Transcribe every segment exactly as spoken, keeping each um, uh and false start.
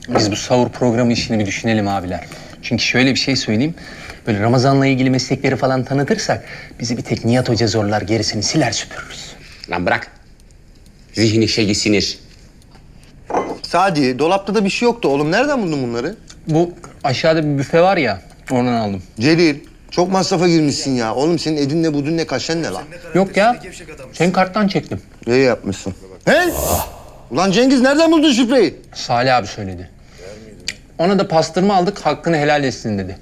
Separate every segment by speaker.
Speaker 1: Biz bu sahur programı işini bir düşünelim abiler. Çünkü şöyle bir şey söyleyeyim. Böyle Ramazan'la ilgili meslekleri falan tanıtırsak bizi bir tek Nihat Hoca zorlar, gerisini siler süpürürüz.
Speaker 2: Lan bırak. Zihni şeyi sinir.
Speaker 3: Sadi, dolapta da bir şey yoktu oğlum. Nereden buldun bunları?
Speaker 1: Bu aşağıda bir büfe var ya, oradan aldım.
Speaker 3: Celil, çok masrafa girmişsin ya. Oğlum senin edin ne budun ne kaşen ne lan?
Speaker 1: Yok ya, senin karttan çektim.
Speaker 3: İyi yapmışsın. He? Ulan Cengiz nereden buldun şifreyi?
Speaker 1: Salih abi söyledi. Ona da pastırma aldık, hakkını helal etsin dedi.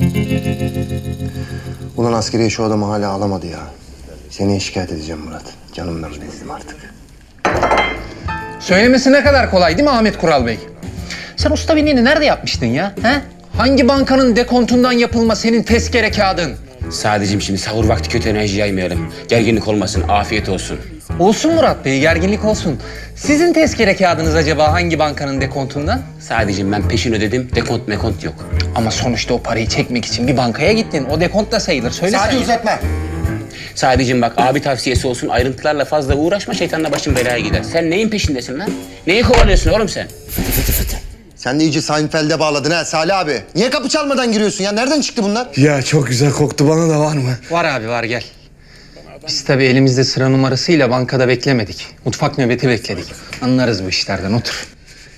Speaker 3: Ulan askeriye şu adamı hala alamadı ya. Seni şikayet edeceğim Murat. Canımdan bezdim artık.
Speaker 1: Söylemesi ne kadar kolay değil mi Ahmet Kural Bey? Sen usta binliğini nerede yapmıştın ya? He? Hangi bankanın dekontundan yapılma senin tezkere kağıdın?
Speaker 2: Sadece şimdi sahur vakti kötü enerji yaymayalım. Gerginlik olmasın, afiyet olsun.
Speaker 1: Olsun Murat Bey, gerginlik olsun. Sizin tezkere kağıdınız acaba hangi bankanın dekontundan?
Speaker 2: Sadece ben peşin ödedim, dekont mekont yok.
Speaker 1: Ama sonuçta o parayı çekmek için bir bankaya gittin. O dekont da sayılır. Söyle
Speaker 3: Sadi
Speaker 1: sen.
Speaker 3: uzatma.
Speaker 2: Sadece bak abi tavsiyesi olsun, ayrıntılarla fazla uğraşma, şeytanla başın belaya gider. Sen neyin peşindesin lan? Neyi kovalıyorsun oğlum sen?
Speaker 3: Sen de iyice Seinfeld'e bağladın ha Salih abi. Niye kapı çalmadan giriyorsun ya? Nereden çıktı bunlar?
Speaker 4: Ya çok güzel koktu, bana da var mı?
Speaker 1: Var abi var, gel. Biz tabii elimizde sıra numarasıyla bankada beklemedik. Mutfak nöbeti bekledik. Anlarız bu işlerden, otur.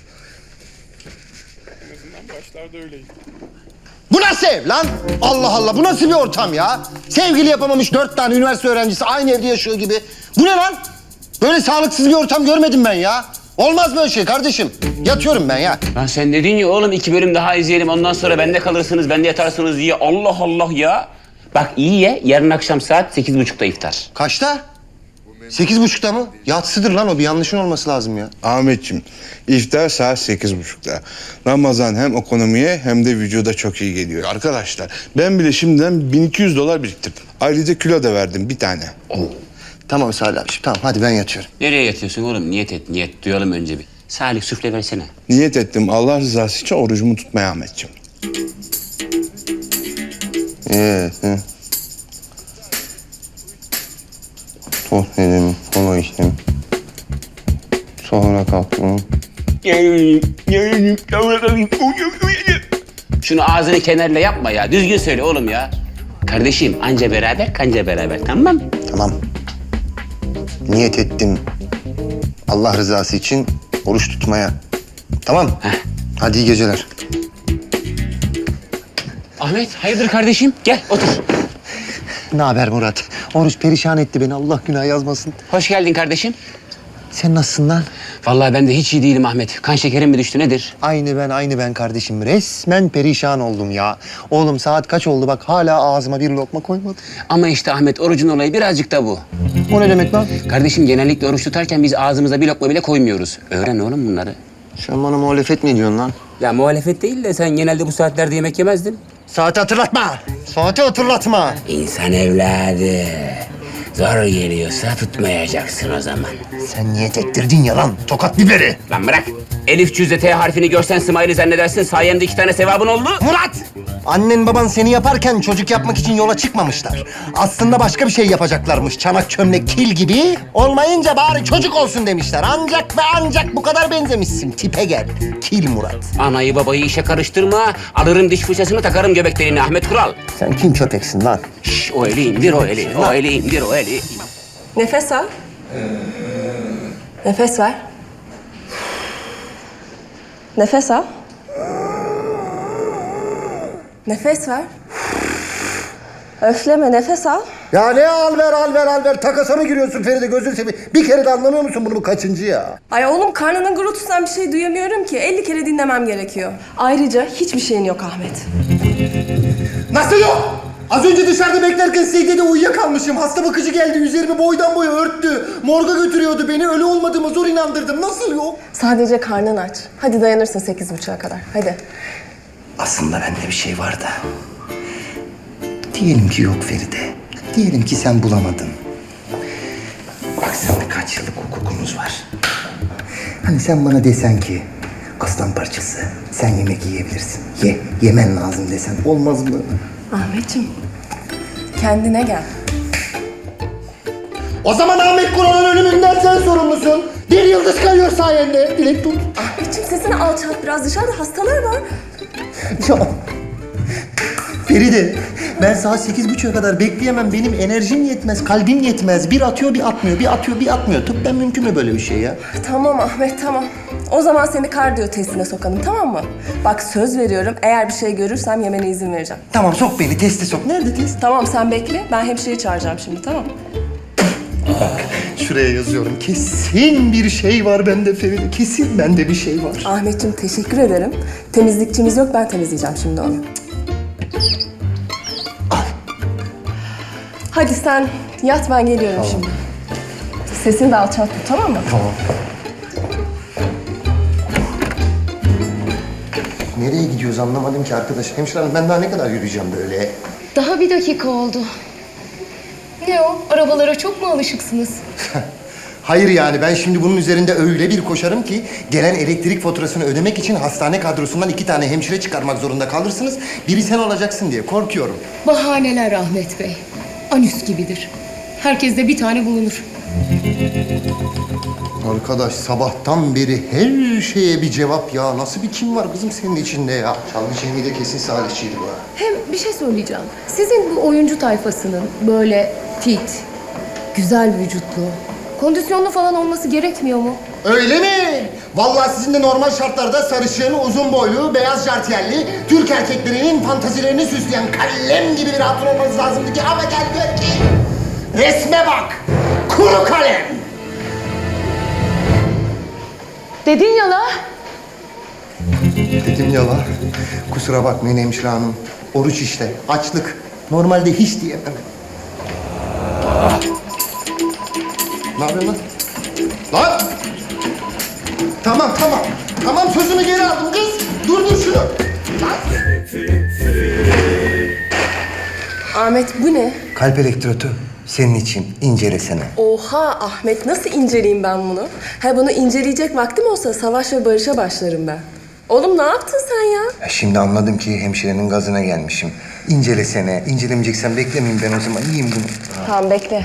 Speaker 3: Bu nasıl ev lan? Allah Allah, bu nasıl bir ortam ya? Sevgili yapamamış dört tane üniversite öğrencisi aynı evde yaşıyor gibi. Bu ne lan? Böyle sağlıksız bir ortam görmedim ben ya. Olmaz böyle şey kardeşim. Yatıyorum ben ya.
Speaker 2: Lan sen dedin ya oğlum iki bölüm daha izleyelim, ondan sonra bende kalırsınız, bende yatarsınız diye. Allah Allah ya. Bak iyi ye, yarın akşam saat sekiz buçukta iftar.
Speaker 3: Kaçta? Sekiz buçukta mı? Yatsıdır lan o, bir yanlışın olması lazım ya.
Speaker 4: Ahmetciğim, iftar saat sekiz buçukta. Ramazan hem ekonomiye hem de vücuda çok iyi geliyor. Arkadaşlar, ben bile şimdiden bin iki yüz dolar biriktirdim. Ayrıca kilo da verdim bir tane.
Speaker 3: Tamam Salih abiciğim, tamam hadi ben yatıyorum.
Speaker 2: Nereye yatıyorsun oğlum? Niyet et, niyet. Duyalım önce bir. Salih süfle versene.
Speaker 4: Niyet ettim Allah rızası için orucumu tutmaya Ahmetciğim.
Speaker 3: Evet. He. Tost yedim, kola içtim. Sonra kalktım.
Speaker 2: Şunu ağzını kenarla yapma ya. Düzgün söyle oğlum ya. Kardeşim anca beraber kanca beraber, tamam mı?
Speaker 3: Tamam. Niyet ettim. Allah rızası için oruç tutmaya. Tamam.
Speaker 2: Heh.
Speaker 3: Hadi iyi geceler.
Speaker 2: Ahmet hayırdır kardeşim? Gel otur.
Speaker 3: Ne haber Murat? Oruç perişan etti beni. Allah günah yazmasın.
Speaker 2: Hoş geldin kardeşim.
Speaker 3: Sen nasılsın lan?
Speaker 2: Vallahi ben de hiç iyi değilim Ahmet. Kan şekerim mi düştü nedir?
Speaker 3: Aynı ben, aynı ben kardeşim. Resmen perişan oldum ya. Oğlum saat kaç oldu bak, hala ağzıma bir lokma koymadım.
Speaker 2: Ama işte Ahmet orucun olayı birazcık da bu.
Speaker 3: O ne demek lan?
Speaker 2: Kardeşim genellikle oruç tutarken biz ağzımıza bir lokma bile koymuyoruz. Öğren oğlum bunları.
Speaker 3: Sen bana muhalefet mi ediyorsun lan?
Speaker 2: Ya muhalefet değil de sen genelde bu saatlerde yemek yemezdin.
Speaker 3: Saati hatırlatma. Saati hatırlatma.
Speaker 2: İnsan evladı. Zor geliyorsa tutmayacaksın o zaman.
Speaker 3: Sen niyet ettirdin ya lan. Tokat biberi.
Speaker 2: Lan bırak. Elif cüzde T harfini görsen Smiley zannedersin. Sayemde iki tane sevabın oldu.
Speaker 3: Murat! Annen baban seni yaparken çocuk yapmak için yola çıkmamışlar. Aslında başka bir şey yapacaklarmış. Çanak, çömlek, kil gibi. Olmayınca bari çocuk olsun demişler. Ancak ve ancak bu kadar benzemişsin. Tipe gel. Kil Murat.
Speaker 2: Anayı babayı işe karıştırma. Alırım diş fırçasını takarım göbek deliğine Ahmet Kural.
Speaker 3: Sen kim köpeksin lan?
Speaker 2: Şş, o eli indir o eli. O eli indir o eli.
Speaker 5: Nefes al. Nefes ver. Nefes al. Nefes ver. Öfleme, nefes al.
Speaker 3: Ya ne al ver al ver al ver. Takasa mı giriyorsun Feride, gözünü seveyim. Bir kere de anlamıyor musun bunu, bu kaçıncı ya?
Speaker 5: Ay oğlum, karnının gurultusundan bir şey duyamıyorum ki. elli kere dinlemem gerekiyor. Ayrıca hiçbir şeyin yok Ahmet.
Speaker 3: Nasıl yok? Az önce dışarıda beklerken secdede uyuyakalmışım. Hasta bakıcı geldi, üzerimi boydan boya örttü. Morga götürüyordu beni, ölü olmadığıma zor inandırdım. Nasıl yok?
Speaker 5: Sadece karnın aç. Hadi dayanırsın sekiz buçuğa kadar. Hadi.
Speaker 3: Aslında bende bir şey var da. Diyelim ki yok Feride. Diyelim ki sen bulamadın. Bak seninle kaç yıllık hukukumuz var. Hani sen bana desen ki aslan parçası sen yemek yiyebilirsin. Ye, yemen lazım desen olmaz mı?
Speaker 5: Ahmetciğim, kendine gel.
Speaker 3: O zaman Ahmet Kural'ın ölümünden sen sorumlusun. Bir yıldız kayıyor sayende. Dilek tut.
Speaker 5: Ahmetciğim, sesin kendini alçalt biraz. Dışarıda hastalar var.
Speaker 3: Ya Feride, ben saat sekiz buçuğa kadar bekleyemem. Benim enerjim yetmez, kalbim yetmez. Bir atıyor, bir atmıyor, bir atıyor, bir atmıyor. Tıbben mümkün mü böyle bir şey ya?
Speaker 5: Tamam Ahmet, tamam. O zaman seni kardiyo testine sokalım, tamam mı? Bak söz veriyorum, eğer bir şey görürsem yemene izin vereceğim.
Speaker 3: Tamam, sok beni, teste sok. Nerede test?
Speaker 5: Tamam, sen bekle. Ben hemşireyi çağıracağım şimdi, tamam mı?
Speaker 3: Şuraya yazıyorum. Kesin bir şey var bende Feride. Kesin bende bir şey var.
Speaker 5: Ahmetciğim teşekkür ederim. Temizlikçimiz yok, ben temizleyeceğim şimdi onu. Hadi sen yat, ben geliyorum şimdi. Sesini de alçalt tut, tamam mı?
Speaker 3: Tamam. Nereye gidiyoruz anlamadım ki arkadaş. Hemşire hanım, ben daha ne kadar yürüyeceğim böyle?
Speaker 6: Daha bir dakika oldu. Ne o? Arabalara çok mu alışıksınız?
Speaker 3: Hayır yani ben şimdi bunun üzerinde öyle bir koşarım ki gelen elektrik faturasını ödemek için hastane kadrosundan iki tane hemşire çıkarmak zorunda kalırsınız. Biri sen olacaksın diye korkuyorum.
Speaker 6: Bahaneler Ahmet Bey. Anüs gibidir. Herkeste bir tane bulunur.
Speaker 3: Arkadaş sabahtan beri her şeye bir cevap ya. Nasıl bir kim var kızım senin içinde ya? Çalgı Cemil de kesin salihçiydi bu ha.
Speaker 6: Hem bir şey söyleyeceğim. Sizin bu oyuncu tayfasının böyle fit, güzel vücutlu, kondisyonlu falan olması gerekmiyor mu?
Speaker 3: Öyle mi? Vallahi sizin de normal şartlarda sarışın, uzun boylu, beyaz jartiyerli, Türk erkeklerinin fantazilerini süsleyen kalem gibi bir hatun olmanız lazımdı ki ama gel gör ki resme bak! Kuru kalem!
Speaker 6: Dedin ya la.
Speaker 3: Dedim ya la. Kusura bakmayın hemşire hanım. Oruç işte, açlık. Normalde hiç diyemem. Ne yapıyorsun lan? Lan! Tamam, tamam. Tamam, sözümü geri aldım kız. Durdur şunu. Lan!
Speaker 5: Ahmet bu ne?
Speaker 3: Kalp elektrotu. Senin için incelesene.
Speaker 5: Oha Ahmet, nasıl inceleyeyim ben bunu? Ha bunu inceleyecek vaktim olsa savaş ve barışa başlarım ben. Oğlum ne yaptın sen ya?
Speaker 3: Ya şimdi anladım ki hemşirenin gazına gelmişim. İncelesene. İncelemeyeceksen beklemeyeyim ben o zaman. Yiyeyim bunu.
Speaker 5: Tamam bekle.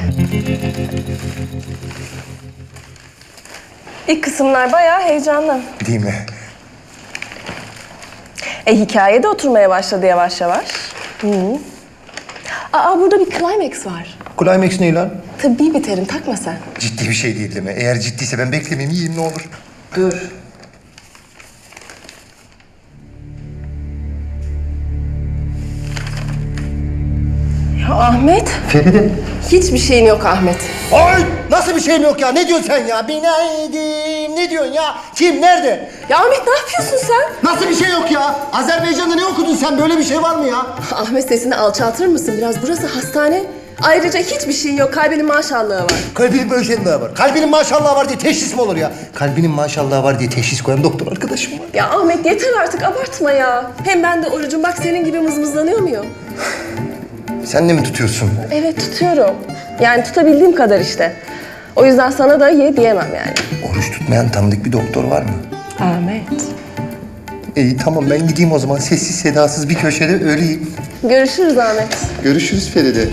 Speaker 5: İlk kısımlar bayağı heyecanlı.
Speaker 3: Değil mi?
Speaker 5: E hikaye de oturmaya başladı yavaş yavaş. Hı. Aa burada bir climax var.
Speaker 3: Climax ne lan?
Speaker 5: Tıbbi bir terim, takma sen.
Speaker 3: Ciddi bir şey değil değil mi? Eğer ciddiyse ben beklemeyeyim, yiyeyim ne olur.
Speaker 5: Dur. Ya Ahmet,
Speaker 3: Feride.
Speaker 5: hiçbir şeyin yok Ahmet.
Speaker 3: Ay! Nasıl bir şeyim yok ya? Ne diyorsun sen ya? Binaydim. Ne diyorsun ya? Kim? Nerede?
Speaker 5: Ya Ahmet ne yapıyorsun sen?
Speaker 3: Nasıl bir şey yok ya? Azerbaycan'da ne okudun sen? Böyle bir şey var mı ya?
Speaker 5: Ahmet sesini alçaltır mısın biraz? Burası hastane. Ayrıca hiçbir şeyin yok. Kalbinin maşallahı var.
Speaker 3: Kalbinin böyle şeyin daha var. Kalbinin maşallahı var diye teşhis mi olur ya? Kalbinin maşallahı var diye teşhis koyan doktor arkadaşım var.
Speaker 5: Ya Ahmet yeter artık, abartma ya. Hem ben de orucum, bak senin gibi mızmızlanıyor muyum?
Speaker 3: Sen de mi tutuyorsun?
Speaker 5: Evet tutuyorum. Yani tutabildiğim kadar işte. O yüzden sana da ye diyemem yani.
Speaker 3: Oruç tutmayan tanıdık bir doktor var mı?
Speaker 5: Ahmet.
Speaker 3: İyi tamam ben gideyim o zaman. Sessiz sedasız bir köşede öleyim.
Speaker 5: Görüşürüz Ahmet.
Speaker 3: Görüşürüz Feride.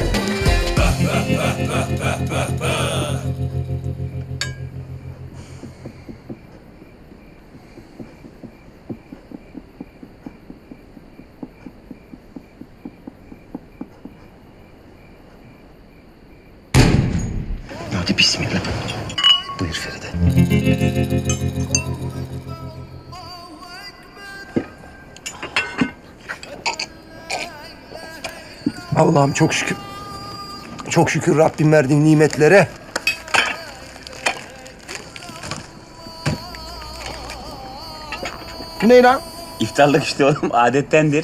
Speaker 3: Hadi bismillah. Buyur Feride. Allah'ım çok şükür. Çok şükür Rabbim verdiğin nimetlere. Bu ne lan?
Speaker 2: İftarlık işte oğlum, adettendir.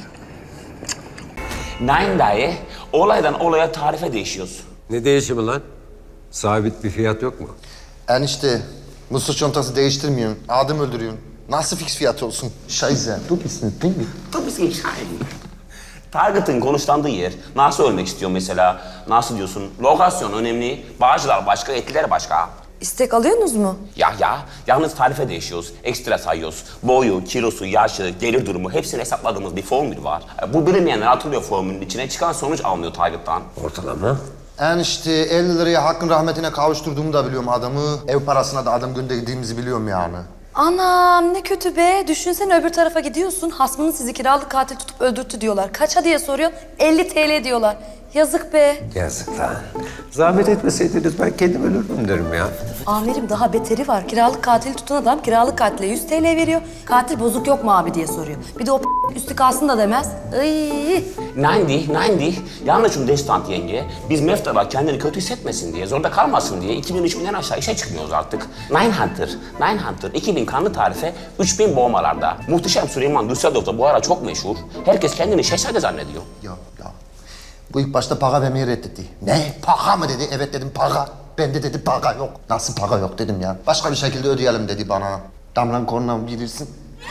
Speaker 2: Nein dayı, olaydan olaya tarife değişiyoruz.
Speaker 7: Ne değişimi lan? Sabit bir fiyat yok mu?
Speaker 3: Enişte, mısır çantası değiştirmiyorsun. Adım öldürüyorsun. Nasıl fix fiyat olsun? Scheiße, du bist nicht ding.
Speaker 2: Tabii ki şahin. Target'ın konuşlandığı yer, nasıl ölmek istiyor mesela, nasıl diyorsun, lokasyon önemli, bağcılar başka, etliler başka.
Speaker 8: İstek alıyorsunuz mu?
Speaker 2: Ya ya, yalnız tarife değişiyoruz, ekstra sayıyoruz. Boyu, kilosu, yaşı, gelir durumu hepsini hesapladığımız bir formül var. Bu bilinmeyenler atılıyor formülün içine, çıkan sonuç alınıyor Target'tan.
Speaker 7: Ortalama.
Speaker 3: Enişte elli liraya hakkın rahmetine kavuşturduğumu da biliyorum adamı. Ev parasına da adam gönderdiğimizi biliyorum yani.
Speaker 8: Anam ne kötü be. Düşünsene öbür tarafa gidiyorsun. Hasmının sizi kiralık katil tutup öldürttü diyorlar. Kaça diye soruyorsun. elli TL diyorlar. Yazık be.
Speaker 7: Yazık lan. Zahmet etmeseydiniz ben kendim ölürdüm derim ya.
Speaker 8: Amirim daha beteri var. Kiralık katili tutan adam kiralık katile yüz TL veriyor. Katil bozuk yok mu abi diye soruyor. Bir de o üstü kalsın da demez. Iy.
Speaker 2: Nein değil, nein değil. Yanlış um Destant yenge. Biz Mefta'da kendini kötü hissetmesin diye, zorda kalmasın diye iki bin üç binden aşağı işe çıkmıyoruz artık. Nine Hunter, Nine Hunter iki bin kanlı tarife, üç bin boğmalarda. Muhteşem Süleyman Düsseldorf'ta bu ara çok meşhur. Herkes kendini şehzade zannediyor.
Speaker 9: Ya ya. Bu ilk başta para vermeyi reddetti. Ne? Para mı dedi? Evet dedim para. Ben de dedi para yok. Nasıl para yok dedim ya. Başka bir şekilde ödeyelim dedi bana. Damlan kornam bilirsin.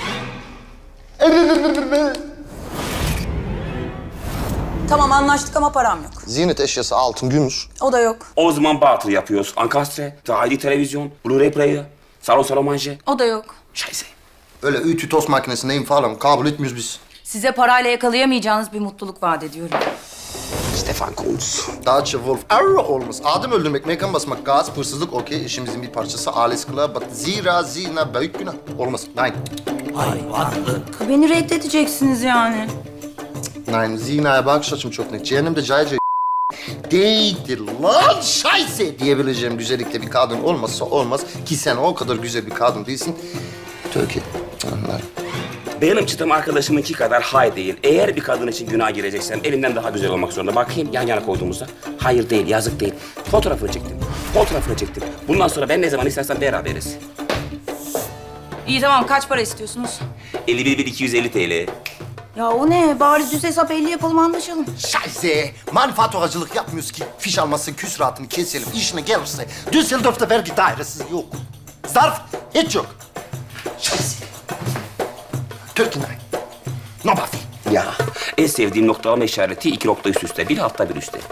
Speaker 8: Tamam anlaştık ama param yok.
Speaker 9: Ziynet eşyası altın, gümüş.
Speaker 8: O da yok.
Speaker 2: O zaman batıl yapıyoruz. Ankastre, dahili televizyon, Blu-ray player, salon salon manje.
Speaker 8: O da yok.
Speaker 2: Scheiße.
Speaker 9: Öyle ütü tost makinesi neyim falan kabul etmiyoruz biz.
Speaker 8: Size parayla yakalayamayacağınız bir mutluluk vaat ediyorum.
Speaker 2: Stefan Kuntz.
Speaker 9: Deutsche Wolf Arrow olmaz. Adım öldürmek, mekan basmak, gaz, hırsızlık okey. İşimizin bir parçası. Ailesi kılığa bat. Zira zina büyük günah. Olmaz. Nein.
Speaker 8: Beni reddedeceksiniz yani.
Speaker 9: Nein. Zinaya bakış açım çok net. Cehennemde cay cay değildir lan şayse diyebileceğim güzellikte bir kadın olmazsa olmaz. Ki sen o kadar güzel bir kadın değilsin. Türkiye. Anlarım.
Speaker 2: Benim çıtım arkadaşımınki kadar hay değil. Eğer bir kadın için günah gireceksem elimden daha güzel olmak zorunda. Bakayım yan yana koyduğumuzda. Hayır değil, yazık değil. Fotoğrafını çektim. Fotoğrafını çektim. Bundan sonra ben ne zaman istersen beraberiz.
Speaker 8: İyi tamam kaç para istiyorsunuz?
Speaker 2: elli bir bin iki yüz elli TL.
Speaker 8: Ya o ne? Bari düz hesap elli yapalım anlaşalım.
Speaker 9: Şayse manifaturacılık yapmıyoruz ki fiş almasın, küsuratını keselim. İşine gelirse Düsseldorf'ta vergi dairesi yok. Zarf hiç yok. Şayse. Türkiye. Nobody.
Speaker 2: Ya en sevdiğim noktalama işareti iki nokta üst üste. Bir altta bir üstte.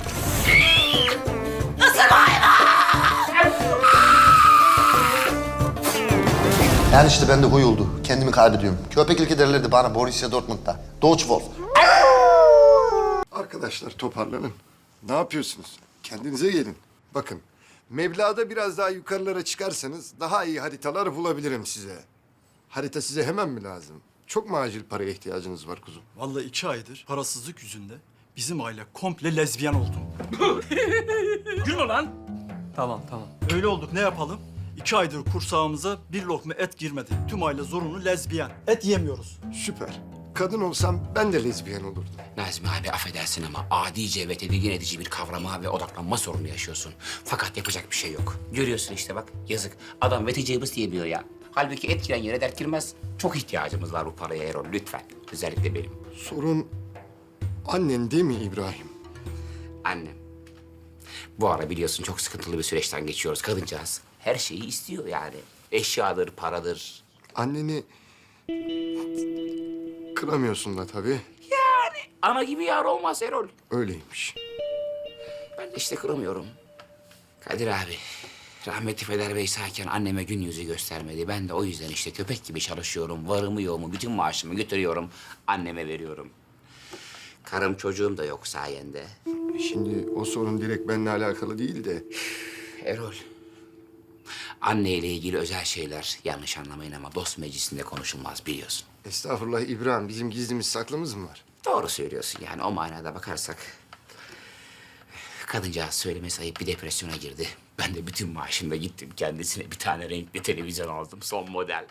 Speaker 9: Yani işte bende huy oldu. Kendimi kaybediyorum. Köpeklik ederlerdi bana Borussia Dortmund'da. Deutsche Wolf.
Speaker 10: Arkadaşlar toparlanın. Ne yapıyorsunuz? Kendinize gelin. Bakın, meblağda biraz daha yukarılara çıkarsanız daha iyi haritalar bulabilirim size. Harita size hemen mi lazım? Çok mu acil paraya ihtiyacınız var kuzum?
Speaker 11: Vallahi iki aydır parasızlık yüzünde bizim aile komple lezbiyen oldu. Gülme lan.
Speaker 1: Tamam tamam.
Speaker 11: Öyle olduk ne yapalım? İki aydır kursağımıza bir lokma et girmedi. Tüm aile zorunlu lezbiyen. Et yemiyoruz.
Speaker 10: Süper. Kadın olsam ben de lezbiyen olurdum.
Speaker 2: Nazmi abi affedersin ama adice ve tedirgin edici bir kavrama ve odaklanma sorunu yaşıyorsun. Fakat yapacak bir şey yok. Görüyorsun işte bak yazık. Adam veteceğimiz diyemiyor ya. Halbuki et giren yere dert girmez. Çok ihtiyacımız var bu paraya Erol lütfen. Özellikle benim.
Speaker 10: Sorun annen değil mi İbrahim?
Speaker 2: Annem. Bu ara biliyorsun çok sıkıntılı bir süreçten geçiyoruz kadıncağız. Her şeyi istiyor yani. Eşyadır, paradır.
Speaker 10: Anneni kıramıyorsun da tabii.
Speaker 2: Yani ana gibi yar olmaz Erol.
Speaker 10: Öyleymiş.
Speaker 2: Ben de işte kıramıyorum. Kadir abi, rahmetli Feder Bey sağken anneme gün yüzü göstermedi. Ben de o yüzden işte köpek gibi çalışıyorum. Varımı yoğumu, bütün maaşımı götürüyorum. Anneme veriyorum. Karım çocuğum da yok sayende.
Speaker 10: Şimdi o sorun direkt benimle alakalı değil de...
Speaker 2: Erol, anneyle ilgili özel şeyler yanlış anlamayın ama dost meclisinde konuşulmaz biliyorsun.
Speaker 10: Estağfurullah İbrahim, bizim gizlimiz saklımız mı var?
Speaker 2: Doğru söylüyorsun yani o manada bakarsak. Kadıncağız söylemesi ayıp bir depresyona girdi. Ben de bütün maaşımla gittim kendisine bir tane renkli televizyon aldım son model.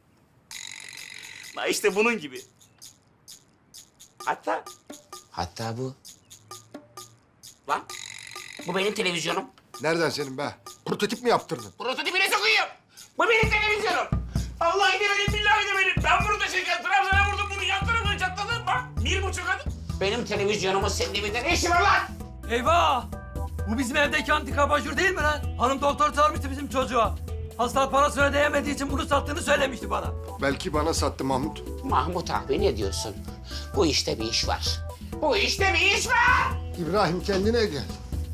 Speaker 2: Ha işte bunun gibi. Hatta... Hatta bu. Lan bu benim televizyonum.
Speaker 10: Nereden senin be? Prototip mi yaptırdın?
Speaker 2: Prototipine sokuyum. Bu benim televizyonum. Vallahi de benim, billahi de benim. Ben bunu taşırken Trabzon'a vurdum bunu, yan tarafını çatladım. Bak bir buçuk adım. Benim televizyonumun senin evinde ne işi var lan?
Speaker 1: Eyvah! Bu bizim evdeki antika abajur değil mi lan? Hanım doktor çağırmıştı bizim çocuğa. Hastalık parasını ödeyemediği için bunu sattığını söylemişti bana.
Speaker 10: Belki bana sattı Mahmut.
Speaker 2: Mahmut abi ne diyorsun? Bu işte bir iş var. Bu işte bir iş var.
Speaker 10: İbrahim kendine gel.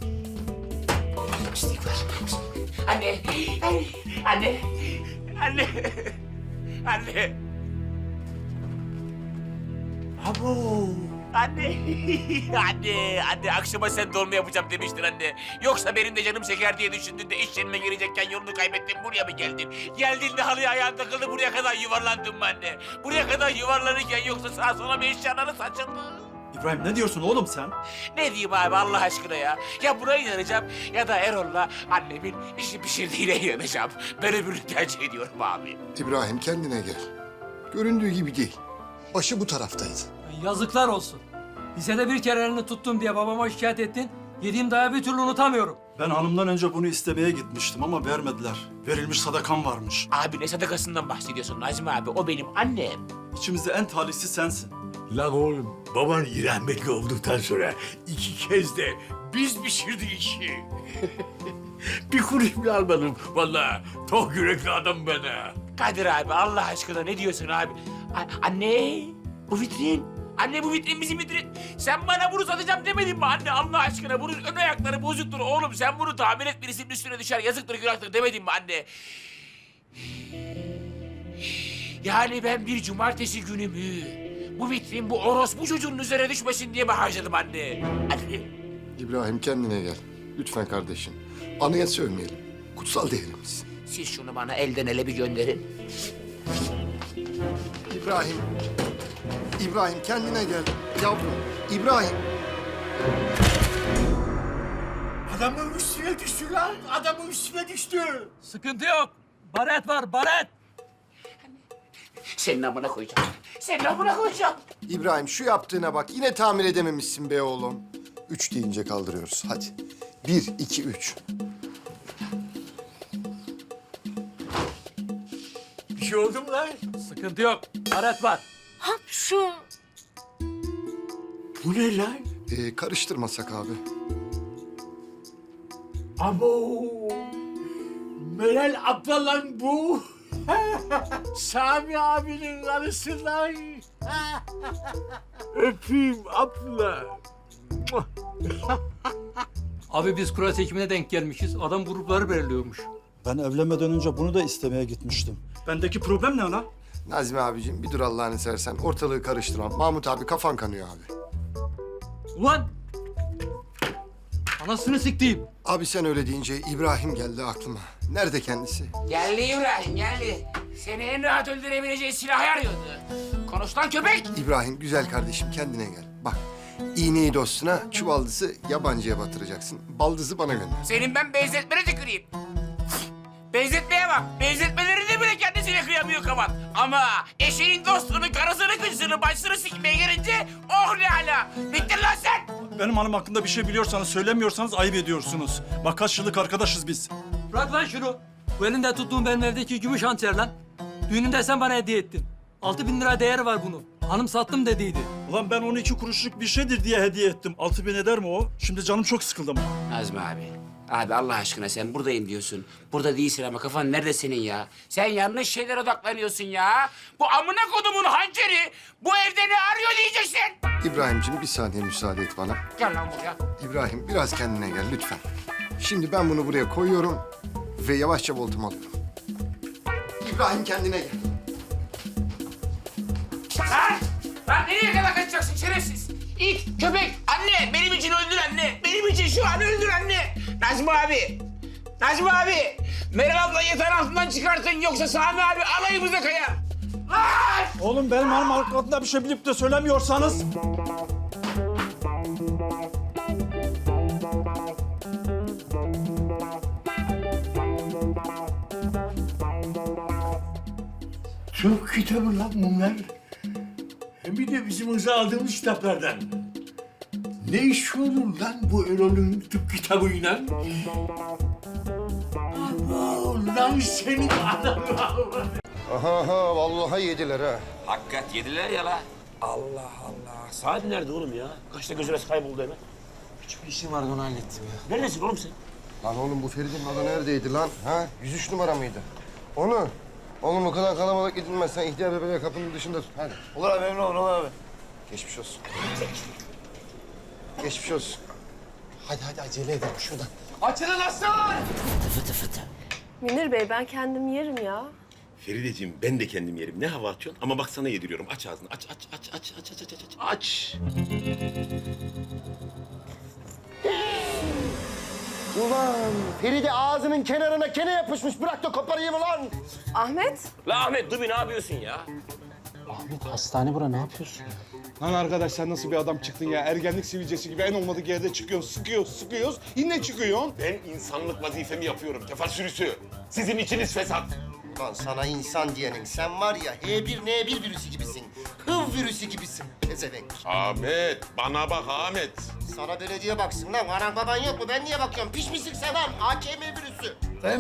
Speaker 2: Pislik var. Anne, anne, anne, anne, anne.
Speaker 1: Abo!
Speaker 2: Anne, anne, anne akşama sen dolma yapacağım demiştin anne. Yoksa benim de canım çeker diye düşündün de iş yerine girecekken yolunu kaybettin, buraya mı geldin? Geldin de halıya ayağın takıldı, buraya kadar yuvarlandın mı anne? Buraya kadar yuvarlanırken yoksa sağa sola mı eşyaları saçıldı?
Speaker 11: İbrahim ne diyorsun oğlum sen?
Speaker 2: Ne diyeyim abi Allah aşkına ya? Ya buraya inanacağım ya da Erol'la annemin işi pişirdiğine inanacağım. Ben öbürünü tercih ediyorum abi.
Speaker 10: İbrahim kendine gel. Göründüğü gibi değil. Başı bu taraftaydı.
Speaker 12: Yazıklar olsun. Lisede bir kere elini tuttum diye babama şikayet ettin. Yediğim dayağı bir türlü unutamıyorum.
Speaker 11: Ben hanımdan önce bunu istemeye gitmiştim ama vermediler. Verilmiş sadakam varmış.
Speaker 2: Abi ne sadakasından bahsediyorsun Nazmi abi? O benim annem.
Speaker 11: İçimizde en talihsi sensin.
Speaker 13: Lan oğlum, baban rahmetli olduktan sonra iki kez de biz pişirdik işi. Bir kuruş bile almadım vallahi. Tok yürekli adam ben ha.
Speaker 2: Kadir abi Allah aşkına ne diyorsun abi? A- anne bu vitrin. Anne bu vitrin bizim vitrin. Sen bana bunu satacağım demedin mi anne Allah aşkına? Bunun ön ayakları bozuktur oğlum. Sen bunu tamir et birisinin üstüne düşer yazıktır günahtır demedin mi anne? Yani ben bir cumartesi günümü bu vitrin bu orospu çocuğunun üzerine düşmesin diye mi harcadım anne? Anne.
Speaker 10: İbrahim kendine gel. Lütfen kardeşim. Anıya sövmeyelim. Kutsal değerimiz.
Speaker 2: Siz şunu bana elden ele bir gönderin.
Speaker 10: İbrahim. İbrahim kendine gel. Yavrum. İbrahim.
Speaker 13: Adamın üstüne düştü lan. Adamın üstüne düştü.
Speaker 12: Sıkıntı yok. Baret var, baret.
Speaker 2: Senin amına koyacağım. Senin amına koyacağım.
Speaker 10: İbrahim şu yaptığına bak. Yine tamir edememişsin be oğlum. Üç deyince kaldırıyoruz. Hadi. Bir, iki, üç.
Speaker 13: Bir şey oldu mu lan?
Speaker 12: Sıkıntı yok. Baret var.
Speaker 13: Hapşu. Bu ne lan?
Speaker 10: Ee, karıştırmasak abi.
Speaker 13: Abo. Meral abla lan bu. Sami abinin karısı lan. Öpeyim abla.
Speaker 12: Abi biz kura seçimine denk gelmişiz. Adam grupları belirliyormuş.
Speaker 11: Ben evlenmeden önce bunu da istemeye gitmiştim. Bendeki problem ne lan?
Speaker 10: Nazmi abicim bir dur Allah'ını seversen. Ortalığı karıştırma. Mahmut abi kafan kanıyor abi.
Speaker 12: Ulan! Anasını siktiğim.
Speaker 10: Abi sen öyle deyince İbrahim geldi aklıma. Nerede kendisi?
Speaker 2: Geldi İbrahim geldi. Seni en rahat öldürebileceği silahı arıyordu. Konuş lan köpek.
Speaker 10: İbrahim güzel kardeşim kendine gel. Bak iğneyi dostuna, çuvaldızı yabancıya batıracaksın. Baldızı bana gönder.
Speaker 2: Senin ben benzetmene tüküreyim. Benzetmeye bak. Benzetmelerinde bile kendisine kıyamıyor kavan. Ama eşeğin dostunu, karısını, kızını, başını sikmeye gelince oh ne hala. Bittin lan sen.
Speaker 11: Benim hanım hakkında bir şey biliyorsanız söylemiyorsanız ayıp ediyorsunuz. Bak kaç yıllık arkadaşız biz.
Speaker 12: Bırak lan şunu. Bu elinde tuttuğum benim evdeki gümüş hançer lan. Düğünümde sen bana hediye ettin. Altı bin lira değeri var bunun. Hanım sattım dediydi.
Speaker 11: Ulan ben on iki kuruşluk bir şeydir diye hediye ettim. Altı bin eder mi o? Şimdi canım çok sıkıldı ama.
Speaker 2: Nazmi abi. Abi Allah aşkına sen buradayım diyorsun. Burada değilsin ama kafan nerede senin ya? Sen yanlış şeylere odaklanıyorsun ya. Bu amına kodumun hançeri bu evde ne arıyor diyeceksin.
Speaker 10: İbrahimciğim bir saniye müsaade et bana.
Speaker 2: Gel lan buraya.
Speaker 10: İbrahim biraz kendine gel lütfen. Şimdi ben bunu buraya koyuyorum ve yavaşça voltumu alıyorum. İbrahim kendine gel.
Speaker 2: Lan! Lan nereye kadar kaçacaksın şerefsiz? İt, köpek, anne benim için öldür anne. Benim için şu an öldür anne. Nazmi abi. Nazmi abi. Meral abla yatağın altından çıkartın yoksa Sami abi alayımıza kayar. Lan!
Speaker 11: Oğlum benim hanım hakkında bir şey bilip de söylemiyorsanız...
Speaker 13: Çok kitabı lan bunlar. Hem bir de bizim hıza aldığımız kitaplardan. Ne iş olur lan bu Erol'ün tıp kitabıyla? Abo lan senin adamı.
Speaker 10: Aha aha vallahi yediler ha.
Speaker 2: Hakikat yediler ya la. Allah Allah. Saat nerede oğlum ya? Kaçta gözüne kayboldu hemen?
Speaker 1: Küçük bir işim vardı onu hallettim ya.
Speaker 2: Neredesin oğlum sen?
Speaker 10: Lan oğlum bu Feridun adı neredeydi lan? Ha? yüz üç numara mıydı? Onu. Oğlum o kadar kalabalık gidilmez. Sen ihtiyar bebeği kapının dışında tut. Hadi.
Speaker 9: Olur abi memnun olun abi.
Speaker 10: Geçmiş olsun. Geçmiş olsun.
Speaker 1: Hadi hadi acele edelim şuradan.
Speaker 5: Münir Bey ben kendim yerim ya.
Speaker 13: Ferideciğim ben de kendim yerim. Ne hava atıyorsun? Ama bak sana yediriyorum. Aç ağzını. Aç aç aç aç aç aç aç aç. Aç.
Speaker 9: Ulan Feride ağzının kenarına kene yapışmış. Bırak da koparayım ulan.
Speaker 5: Ahmet,
Speaker 2: La Ahmet Dubi ne yapıyorsun ya?
Speaker 1: Ahmet hastane bura, ne yapıyorsun?
Speaker 4: Lan arkadaş sen nasıl bir adam çıktın ya? Ergenlik sivilcesi gibi en olmadık yerde çıkıyorsun, sıkıyoruz, sıkıyoruz. Yine çıkıyorsun.
Speaker 13: Ben insanlık vazifemi yapıyorum. Tefa sürüsü. Sizin içiniz fesat.
Speaker 9: Ulan sana insan diyenin sen var ya H bir N bir virüsü gibisin. Hıv virüsü gibisin. Pezevenk.
Speaker 13: Ahmet, bana bak Ahmet.
Speaker 9: Sana belediye baksın lan. Anan baban yok mu? Ben niye bakıyorum? Piş misin sen lan? A K M virüsü.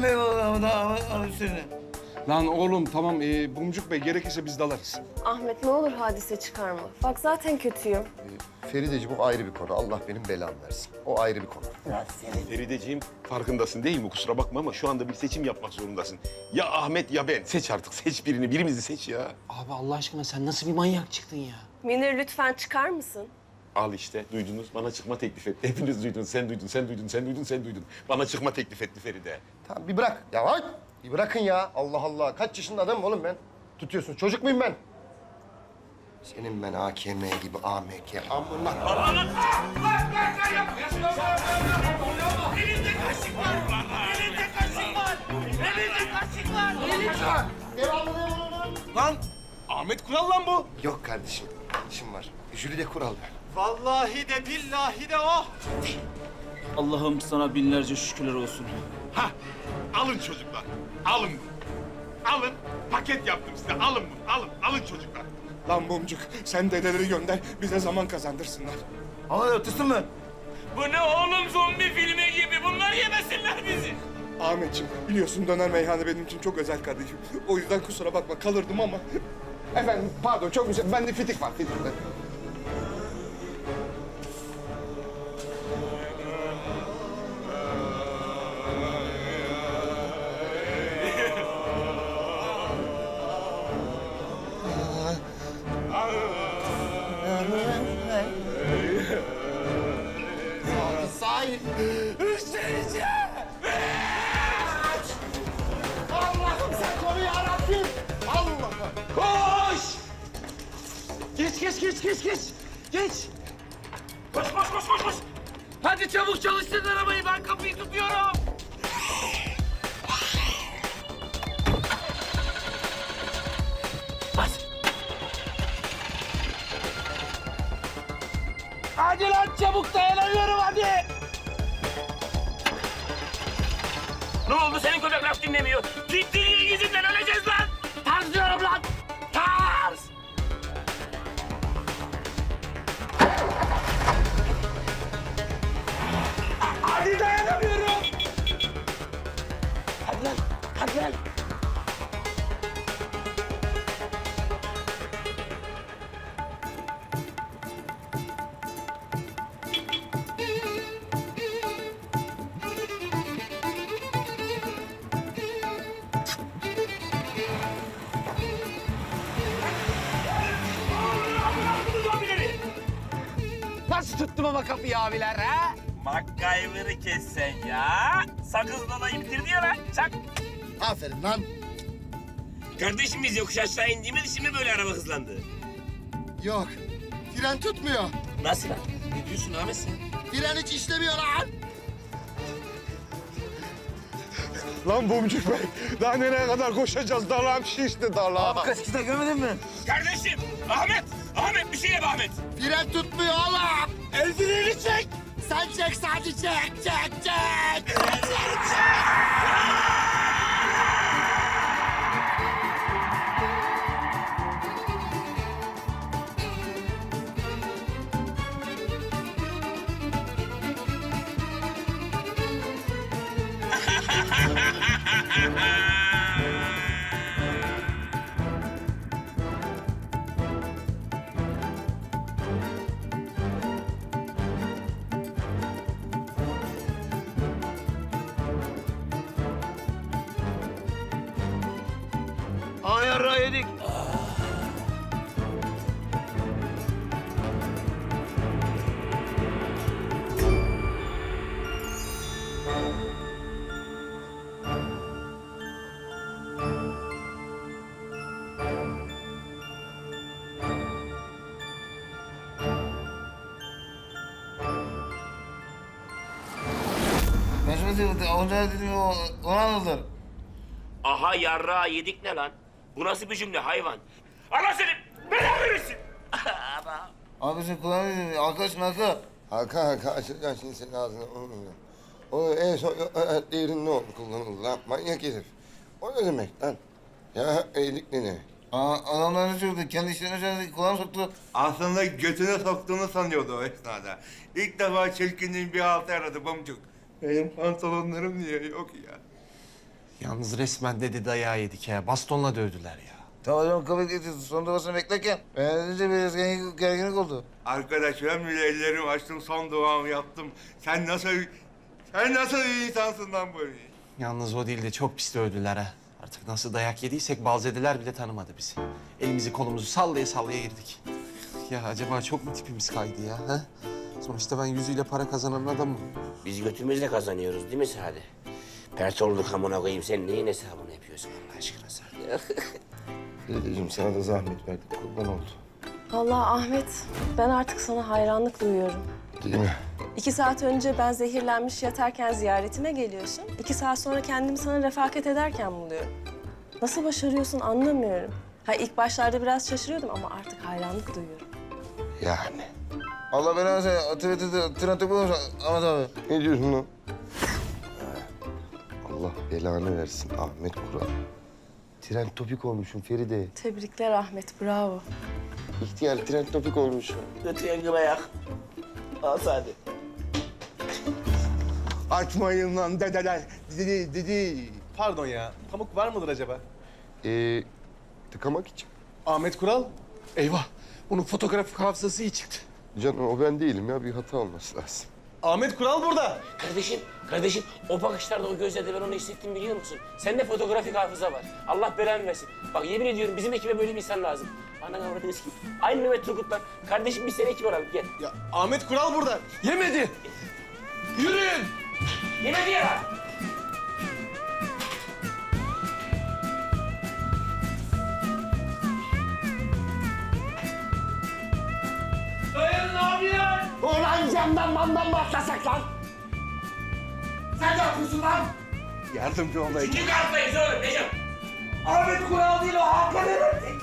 Speaker 4: Lan oğlum tamam ee, Bumcuk Bey gerekirse biz dalarız.
Speaker 5: Ahmet ne olur hadise çıkarma. Bak zaten kötüyüm.
Speaker 9: Ferideci bu ayrı bir konu. Allah benim belamı versin. O ayrı bir konu.
Speaker 13: Ferideciğim farkındasın değil mi? Kusura bakma ama şu anda bir seçim yapmak zorundasın. Ya Ahmet ya ben. Seç artık. Seç birini. Birimizi seç ya.
Speaker 1: Abi Allah aşkına sen nasıl bir manyak çıktın ya?
Speaker 5: Münir lütfen çıkar mısın?
Speaker 13: Al işte. Duydunuz. Bana çıkma teklif etti. Hepiniz duydunuz. Sen duydun, sen duydun, sen duydun, sen duydun. Bana çıkma teklif etti Feride.
Speaker 9: Tamam bir bırak. Ya hay! Bir bırakın ya. Allah Allah. Kaç yaşında adamım oğlum ben? Tutuyorsun. Çocuk muyum ben? Senin ben A K M gibi A M K. Amına.
Speaker 13: Elinde kaşık var. Elinde kaşık var. Elinde kaşık var.
Speaker 9: Devamlı ne lan?
Speaker 4: Lan Ahmet Kural lan bu.
Speaker 9: Yok kardeşim. İşim var. Jüride kural ver.
Speaker 11: Vallahi de billahi de oh.
Speaker 12: Allah'ım sana binlerce şükürler olsun.
Speaker 13: Ha, alın çocuklar. Alın bunu. Alın. Paket yaptım size. Alın bunu. Alın. Alın çocuklar.
Speaker 4: Lan Bumcuk sen dedeleri gönder bize zaman kazandırsınlar.
Speaker 11: Ama ötesi mi?
Speaker 2: Bu ne oğlum zombi filmi gibi? Bunlar yemesinler bizi.
Speaker 4: Ahmetciğim biliyorsun döner meyhane benim için çok özel kardeşim. O yüzden kusura bakma kalırdım ama. Efendim pardon çok güzel. Bende fitik var fitik.
Speaker 9: Sahip. Allah'ım sen koru yarabbim. Allah'ım.
Speaker 2: Koş! Geç, geç, geç, geç, geç. Geç. Koş, koş, koş, koş, koş. Hadi çabuk çalıştır arabayı. Ben kapıyı tutuyorum. Bas. Hadi lan çabuk dayanamıyorum hadi. Ne oldu senin köpek laf dinlemiyor? Gittiğin yüzünden öleceğiz lan. Tarz diyorum lan. Tarz. Hadi dayanamıyorum. Hadi lan, hadi lan.
Speaker 1: Nasıl tuttum ama kapıyı abiler ha?
Speaker 2: MacGyver'ı kes sen ya. Sakızla da bitirdi ya lan. Çak.
Speaker 9: Aferin lan.
Speaker 2: Kardeşim biz yokuş aşağı indiğimiz için mi böyle araba hızlandı?
Speaker 9: Yok. Fren tutmuyor.
Speaker 2: Nasıl lan? Ne diyorsun Ahmet sen?
Speaker 9: Fren hiç işlemiyor lan.
Speaker 4: Lan Bumcuk Bey daha nereye kadar koşacağız? Dalağım şişti dalağım.
Speaker 11: Kaçkıda görmedin mi?
Speaker 2: Kardeşim! Ahmet! Ahmet bir şey yap Ahmet!
Speaker 9: Fren tutmuyor oğlum.
Speaker 2: El freni çek!
Speaker 9: Sen çek sadece çek çek çek.
Speaker 2: Ayarra yedik.
Speaker 9: Onca dedim onu anladılar.
Speaker 2: Aha yarrağı yedik ne lan? Bu nasıl bir cümle hayvan? Allah seni belanı versin.
Speaker 9: Abi sen kulağını arkadaş marka.
Speaker 10: Hakan Hakan açacağım şimdi senin ağzına. O en son değerin ne oldu kullanıldı lan? Manyak herif. O ne demek lan? Ya iyilik ne demek?
Speaker 9: Aa, adamlar ne söyledi? Kendi işlerine söyledi. Kulağını soktu.
Speaker 4: Aslında götüne soktuğunu sanıyordu o esnada. İlk defa çirkinliğin bir altı aradı bamcuk. Benim pantolonlarım niye yok ya?
Speaker 14: Yalnız resmen dedi dayağı yedik ya. Bastonla dövdüler ya.
Speaker 9: Tamam hocam kabul getirdi. Son duasını beklerken. Beğenince biraz gergin- gerginlik oldu.
Speaker 4: Arkadaş ben bile ellerimi açtım, son duamı yaptım. Sen nasıl, sen nasıl bir insansın lan böyle?
Speaker 14: Yalnız o değil de çok pis dövdüler ha. Artık nasıl dayak yediysek balzedeler bile tanımadı bizi. Elimizi kolumuzu sallaya sallaya girdik. Ya acaba çok mu tipimiz kaydı ya? Ha? Sonuçta ben yüzüyle para kazanan adamım.
Speaker 2: Biz götümüzle kazanıyoruz değil mi Sadi? Pert olduk amına koyayım. Sen neyin hesabını yapıyorsun Allah aşkına Sadi?
Speaker 10: Dedeciğim sana da zahmet verdik. Kurban oldu.
Speaker 5: Vallahi Ahmet, ben artık sana hayranlık duyuyorum.
Speaker 10: Değil mi?
Speaker 5: İki saat önce ben zehirlenmiş yatarken ziyaretime geliyorsun. İki saat sonra kendimi sana refakat ederken buluyorum. Nasıl başarıyorsun anlamıyorum. Ha ilk başlarda biraz şaşırıyordum ama artık hayranlık duyuyorum.
Speaker 10: Yani.
Speaker 9: Allah belanı versin. Atıvete tren topu olmuş Ahmet abi.
Speaker 10: Ne diyorsun lan? Allah belanı versin Ahmet Kural. Tren topik olmuşum Feride.
Speaker 5: Tebrikler Ahmet, bravo.
Speaker 10: İhtiyar tren topik olmuşum.
Speaker 2: Götüyen gıl ayak. Al Sadi.
Speaker 4: Açmayın lan dedeler. Dedi, dedi.
Speaker 14: Pardon ya. Pamuk var mıdır acaba?
Speaker 10: Ee, tıkamak için.
Speaker 14: Ahmet Kural. Eyvah. Bunun fotoğrafik hafızası iyi çıktı.
Speaker 10: Canım o ben değilim ya. Bir hata olması lazım.
Speaker 14: Ahmet Kural burada.
Speaker 2: Kardeşim, kardeşim o bakışlarda o gözlerde ben onu hissettim biliyor musun? Sende fotoğrafik hafıza var. Allah belanı versin. Bak yemin ediyorum bizim ekibe böyle bir insan lazım. Anan avradınız ki. Aynı Mehmet Turgut'tan. Kardeşim biz seni ekip alalım gel.
Speaker 14: Ya Ahmet Kural burada. Yemedi. Yürüyün.
Speaker 2: Yemedi ya. Dayanın abiler. Ulan camdan mandan mı atlasak lan? Sen ne yapıyorsun lan?
Speaker 4: Yardımcı olayım.
Speaker 2: İki kattayız oğlum Necip. Ahmet Kural değil o Hakan Eren.